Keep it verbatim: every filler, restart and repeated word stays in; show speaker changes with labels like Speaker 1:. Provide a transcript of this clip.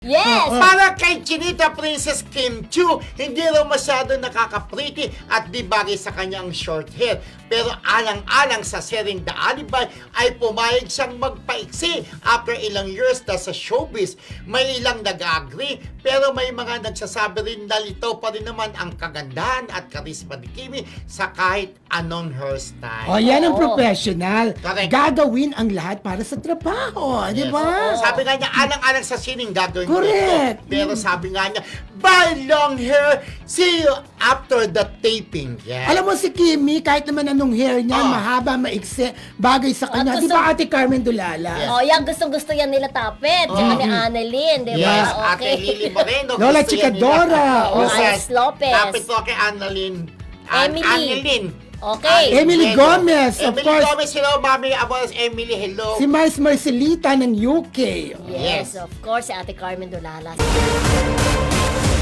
Speaker 1: Yes!
Speaker 2: Para kay Chinita Princess Kim Chiu, hindi raw masyado nakaka-pretty at di bagay sa kanyang short hair. Pero alang-alang sa sering The Alibay ay pumayag siyang magpaiksi after ilang years na sa showbiz. May ilang nag-agree pero may mga nagsasabi rin na lito pa rin naman ang kagandahan at karisma ni Kimi sa kahit anong hairstyle.
Speaker 3: O, yan ang
Speaker 1: Oo.
Speaker 3: professional.
Speaker 2: Correct.
Speaker 3: Gagawin ang lahat para sa trabaho. Di
Speaker 2: Yes.
Speaker 3: ba?
Speaker 2: Sabi nga niya, alang-alang sa sining gagawin ko
Speaker 3: Correct.
Speaker 2: ito. Pero sabi nga niya, bye long hair, see you after the taping. Yeah.
Speaker 3: Alam mo si Kimi, kahit naman anong hair niya,
Speaker 2: Ah.
Speaker 3: mahaba, maiksi, bagay sa kanya.
Speaker 1: At
Speaker 3: Di
Speaker 1: gusto-
Speaker 3: ba Ate Carmen Dulala?
Speaker 2: Yes.
Speaker 1: Oh, yan, gustong-gusto yan nila Tapet. Tsaka ni Annalyn, di ba?
Speaker 2: Yes, Ate
Speaker 1: Okay.
Speaker 2: Lily Moreno.
Speaker 3: Lola
Speaker 2: gusto yan
Speaker 3: Chicadora.
Speaker 2: nila.
Speaker 1: Oo,
Speaker 2: Yes.
Speaker 1: Alex Lopez.
Speaker 2: Tapos po kay Annalyn. An-
Speaker 1: Emily.
Speaker 2: Annalyn.
Speaker 1: Okay.
Speaker 2: Annalyn
Speaker 3: Emily
Speaker 2: Moreno.
Speaker 3: Gomez, of
Speaker 2: Emily
Speaker 3: course.
Speaker 2: Gomez, hello, Mami Abos. Emily, hello.
Speaker 3: Si Mars Marcelita ng U K.
Speaker 1: Yes,
Speaker 2: Yes.
Speaker 1: of course, si Ate Carmen Dulalas.